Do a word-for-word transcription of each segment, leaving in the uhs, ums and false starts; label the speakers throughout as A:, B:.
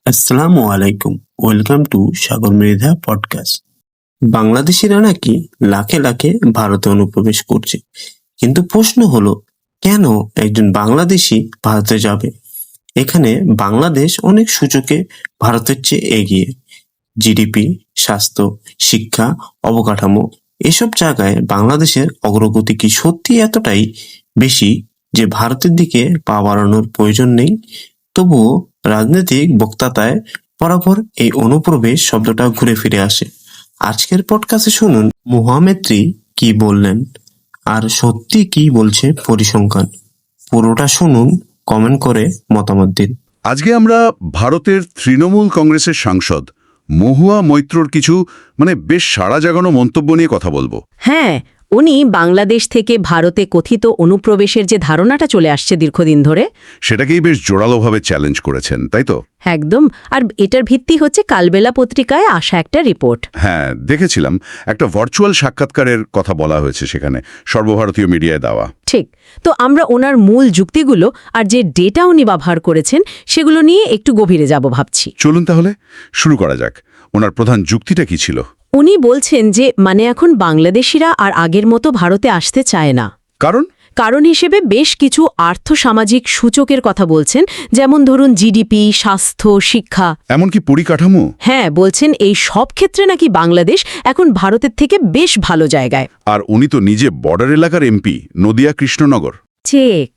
A: আসসালামু আলাইকুম। Welcome to Sagar Mridha podcast. বাংলাদেশিরা নাকি লাখে লাখে ভারতে অনুপ্রবেশ করছে, কিন্তু প্রশ্ন হলো কেন একজন বাংলাদেশি ভারতে যাবে? এখানে বাংলাদেশ অনেক সূচকে ভারতের চেয়ে এগিয়ে। জিডিপি, স্বাস্থ্য, শিক্ষা, অবকাঠামো এসব জায়গায় বাংলাদেশের অগ্রগতি কি সত্যি এতটাই বেশি যে ভারতের দিকে পা বাড়ানোর প্রয়োজন নেই? তবুও রাজনৈতিক বক্তৃতায় বরাবর এই অনুপ্রবেশ শব্দটা ঘুরে ফিরে আসে। আজকের পডকাস্টে শুনুন মহামেত্রী কি বললেন আর সত্যি কি বলছে পরিসংখ্যান। পুরোটা শুনুন, কমেন্ট করে মতামত দিন।
B: আজকে আমরা ভারতের তৃণমূল কংগ্রেসের সাংসদ মহুয়া মৈত্রর কিছু মানে বেশ সাড়া জাগানো মন্তব্য নিয়ে কথা বলবো।
C: হ্যাঁ, উনি বাংলাদেশ থেকে ভারতে কথিত অনুপ্রবেশের যে ধারণাটা চলে আসছে দীর্ঘদিন ধরে,
B: সেটাকেই বেশ জোরালোভাবে চ্যালেঞ্জ করেছেন, তাই তো?
C: একদম। আর এটার ভিত্তি হচ্ছে কালবেলা পত্রিকায় আসা একটা রিপোর্ট।
B: হ্যাঁ, দেখেছিলাম একটা ভার্চুয়াল সাক্ষাৎকারের কথা বলা হয়েছে সেখানে, সর্বভারতীয় মিডিয়ায় দেওয়া।
C: ঠিক। তো আমরা ওনার মূল যুক্তিগুলো আর যে ডেটা উনি ব্যবহার করেছেন সেগুলো নিয়ে একটু গভীরে যাব ভাবছি।
B: চলুন তাহলে শুরু করা যাক। ওনার প্রধান যুক্তিটা কি ছিল?
C: উনি বলছেন যে মানে এখন বাংলাদেশিরা আর আগের মতো ভারতে আসতে চায় না।
B: কারণ
C: কারণ হিসেবে বেশ কিছু আর্থসামাজিক সূচকের কথা বলছেন, যেমন ধরুন জিডিপি, স্বাস্থ্য, শিক্ষা,
B: এমনকি পরিকাঠামো।
C: হ্যাঁ, বলছেন এই সব ক্ষেত্রে নাকি বাংলাদেশ এখন ভারতের থেকে বেশ ভালো জায়গায়।
B: আর উনি তো নিজে বর্ডার এলাকার এমপি, নদিয়া কৃষ্ণনগর।
C: ঠিক।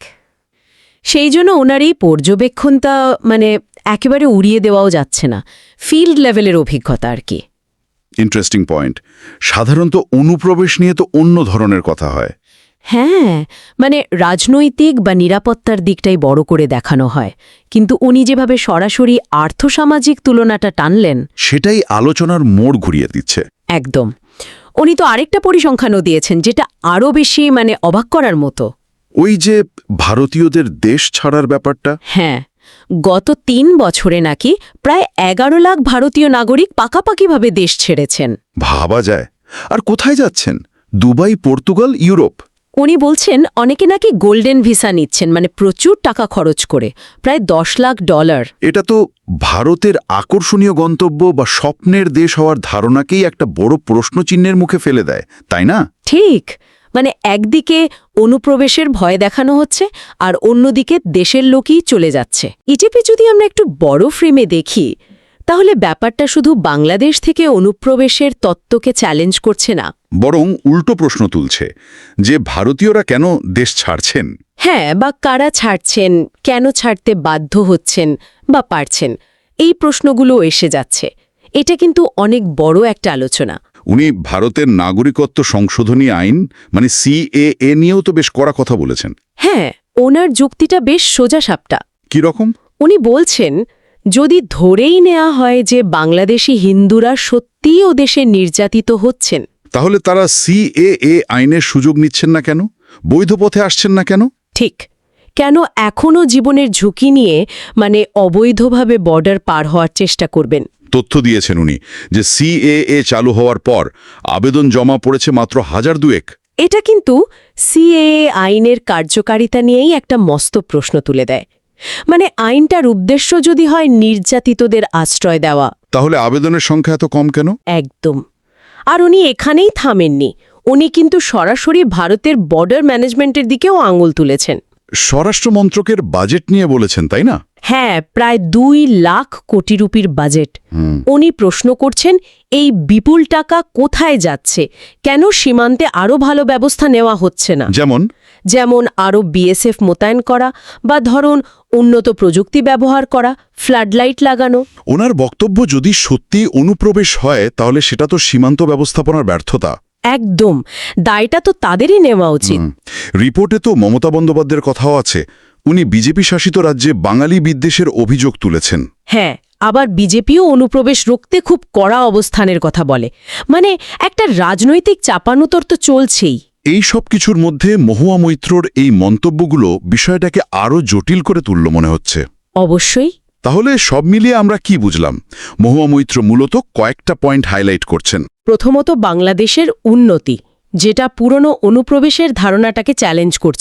C: সেই জন্য ওনার এই পর্যবেক্ষণটা মানে একেবারে উড়িয়ে দেওয়াও যাচ্ছে না। ফিল্ড লেভেলের অভিজ্ঞতা আর কি।
B: Interesting point. সাধারণত অনুপ্রবেশ নিয়ে তো অন্য ধরনের কথা হয়।
C: হ্যাঁ, মানে রাজনৈতিক বা নিরাপত্তার দিকটাই বড় করে দেখানো হয়, কিন্তু উনি যেভাবে সরাসরি আর্থসামাজিক তুলনাটা টানলেন,
B: সেটাই আলোচনার মোড় ঘুরিয়ে দিচ্ছে।
C: একদম। উনি তো আরেকটা পরিসংখ্যানও দিয়েছেন যেটা আরও বেশি মানে অবাক করার মতো।
B: ওই যে ভারতীয়দের দেশ ছাড়ার ব্যাপারটা।
C: হ্যাঁ, গত তিন বছরে নাকি প্রায় এগারো লাখ ভারতীয় নাগরিক পাকাপাকিভাবে দেশ ছেড়েছেন।
B: ভাবা যায়। আর কোথায় যাচ্ছেন? Dubai, Portugal, Europe.
C: উনি বলছেন অনেকে নাকি গোল্ডেন ভিসা নিচ্ছেন, মানে প্রচুর টাকা খরচ করে, প্রায় দশ লাখ ডলার।
B: এটা তো ভারতের আকর্ষণীয় গন্তব্য বা স্বপ্নের দেশ হওয়ার ধারণাকেই একটা বড় প্রশ্নচিহ্নের মুখে ফেলে দেয়, তাই না?
C: ঠিক। মানে একদিকে অনুপ্রবেশের ভয় দেখানো হচ্ছে আর অন্যদিকে দেশের লোকই চলে যাচ্ছে। ইটিপি যদি আমরা একটু বড় ফ্রেমে দেখি, তাহলে ব্যাপারটা শুধু বাংলাদেশ থেকে অনুপ্রবেশের তত্ত্বকে চ্যালেঞ্জ করছে না,
B: বরং উল্টো প্রশ্ন তুলছে যে ভারতীয়রা কেন দেশ ছাড়ছেন।
C: হ্যাঁ, বা কারা ছাড়ছেন, কেন ছাড়তে বাধ্য হচ্ছেন বা পারছেন, এই প্রশ্নগুলো এসে যাচ্ছে। এটা কিন্তু অনেক বড় একটা আলোচনা।
B: উনি ভারতের নাগরিকত্ব সংশোধনী আইন মানে সিএএ নিয়েও তো বেশ কড়া কথা বলেছেন।
C: হ্যাঁ, ওনার যুক্তিটা বেশ সোজাসাপটা।
B: কি রকম?
C: উনি বলছেন যদি ধরেই নেওয়া হয় যে বাংলাদেশি হিন্দুরা সত্যিই ও দেশে নির্যাতিত হচ্ছেন,
B: তাহলে তারা সিএএ আইনের সুযোগ নিচ্ছেন না কেন? বৈধ পথে আসছেন না কেন?
C: ঠিক। কেন এখনও জীবনের ঝুঁকি নিয়ে মানে অবৈধভাবে বর্ডার পার হওয়ার চেষ্টা করবেন?
B: তথ্য দিয়েছেন উনি যে সিএএ চালু হওয়ার পর আবেদন জমা পড়েছে মাত্র হাজার দুয়েক।
C: এটা কিন্তু সিএএ আইনের কার্যকারিতা নিয়েই একটা মস্ত প্রশ্ন তুলে দেয়। মানে আইনটার উদ্দেশ্য যদি হয় নির্যাতিতদের আশ্রয় দেওয়া,
B: তাহলে আবেদনের সংখ্যা এত কম কেন?
C: একদম। আর উনি এখানেই থামেননি, উনি কিন্তু সরাসরি ভারতের বর্ডার ম্যানেজমেন্টের দিকেও আঙুল তুলেছেন।
B: স্বরাষ্ট্র মন্ত্রকের বাজেট নিয়ে বলেছেন, তাই না?
C: হ্যাঁ, প্রায় দুই লাখ কোটি রুপির বাজেট। উনি প্রশ্ন করছেন এই বিপুল টাকা কোথায় যাচ্ছে, কেন সীমান্তে আরও ভালো ব্যবস্থা নেওয়া হচ্ছে না?
B: যেমন
C: যেমন আরও বিএসএফ মোতায়েন করা বা ধরুন উন্নত প্রযুক্তি ব্যবহার করা, ফ্লাডলাইট লাগানো।
B: ওনার বক্তব্য যদি সত্যি অনুপ্রবেশ হয় তাহলে সেটা তো সীমান্ত ব্যবস্থাপনার ব্যর্থতা।
C: একদম। দায়টা তো তাদেরই নেওয়া উচিত।
B: রিপোর্টে তো মমতা বন্দ্যোপাধ্যায়ের কথাও আছে। উনি বিজেপি শাসিত রাজ্যে বাঙালি বিদ্বেষের অভিযোগ তুলেছেন।
C: হ্যাঁ, আবার বিজেপিও অনুপ্রবেশ রুখতে খুব কড়া অবস্থানের কথা বলে। মানে একটা রাজনৈতিক চাপানুতর তো চলছেই।
B: এই সব কিছুর মধ্যে মহুয়া মৈত্রর এই মন্তব্যগুলো বিষয়টাকে আরও জটিল করে তুলল মনে হচ্ছে।
C: অবশ্যই।
B: তাহলে সব মিলিয়ে আমরা কি বুঝলাম? মহুয়া মৈত্র মূলত কয়েকটা পয়েন্ট হাইলাইট করছেন।
C: প্রথমত বাংলাদেশের উন্নতি, যেটা পুরনো অনুপ্রবেশের ধারণাটাকে চ্যালেঞ্জ করছে।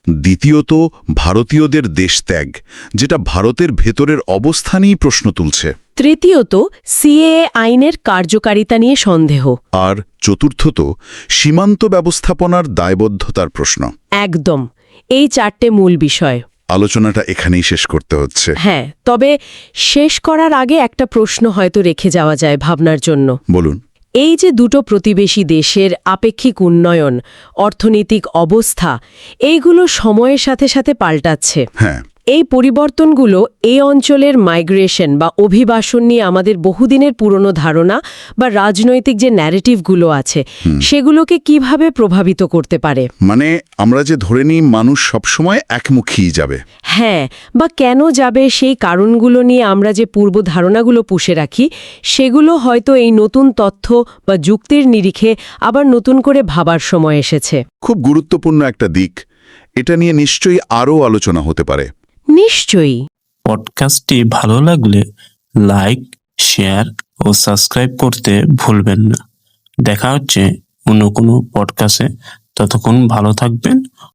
B: দ্বিতীয়ত ভারতীয়দের দেশত্যাগ, যেটা ভারতের ভেতরের অবস্থানই প্রশ্ন তুলছে।
C: তৃতীয়ত সিএএ আইনের কার্যকারিতা নিয়ে সন্দেহ।
B: আর চতুর্থত সীমান্ত ব্যবস্থাপনার দায়বদ্ধতার প্রশ্ন।
C: একদম, এই চারটে মূল বিষয়।
B: আলোচনাটা এখানেই শেষ করতে হচ্ছে।
C: হ্যাঁ, তবে শেষ করার আগে একটা প্রশ্ন হয়তো রেখে যাওয়া যায় ভাবনার জন্য।
B: বলুন।
C: এই যে দুটো প্রতিবেশী দেশের আপেক্ষিক উন্নয়ন, অর্থনৈতিক অবস্থা, এইগুলো সময়ের সাথে সাথে পাল্টাচ্ছে।
B: হ্যাঁ,
C: এই পরিবর্তনগুলো এই অঞ্চলের মাইগ্রেশন বা অভিবাসন নিয়ে আমাদের বহুদিনের পুরনো ধারণা বা রাজনৈতিক যে ন্যারেটিভগুলো আছে সেগুলোকে কিভাবে প্রভাবিত করতে পারে?
B: মানে আমরা যে ধরে নিই মানুষ সবসময় একমুখী যাবে।
C: হ্যাঁ, বা কেন যাবে সেই কারণগুলো নিয়ে আমরা যে পূর্ব ধারণাগুলো পুষে রাখি, সেগুলো হয়তো এই নতুন তথ্য বা যুক্তির নিরিখে আবার নতুন করে ভাবার সময় এসেছে।
B: খুব গুরুত্বপূর্ণ একটা দিক। এটা নিয়ে নিশ্চয়ই আরও আলোচনা হতে পারে।
C: নিশ্চয়ই।
A: পডকাস্টটি ভালো লাগলে লাইক, শেয়ার ও সাবস্ক্রাইব করতে ভুলবেন না। দেখা হচ্ছে অন্য কোনো পডকাস্টে। ততক্ষণ ভালো থাকবেন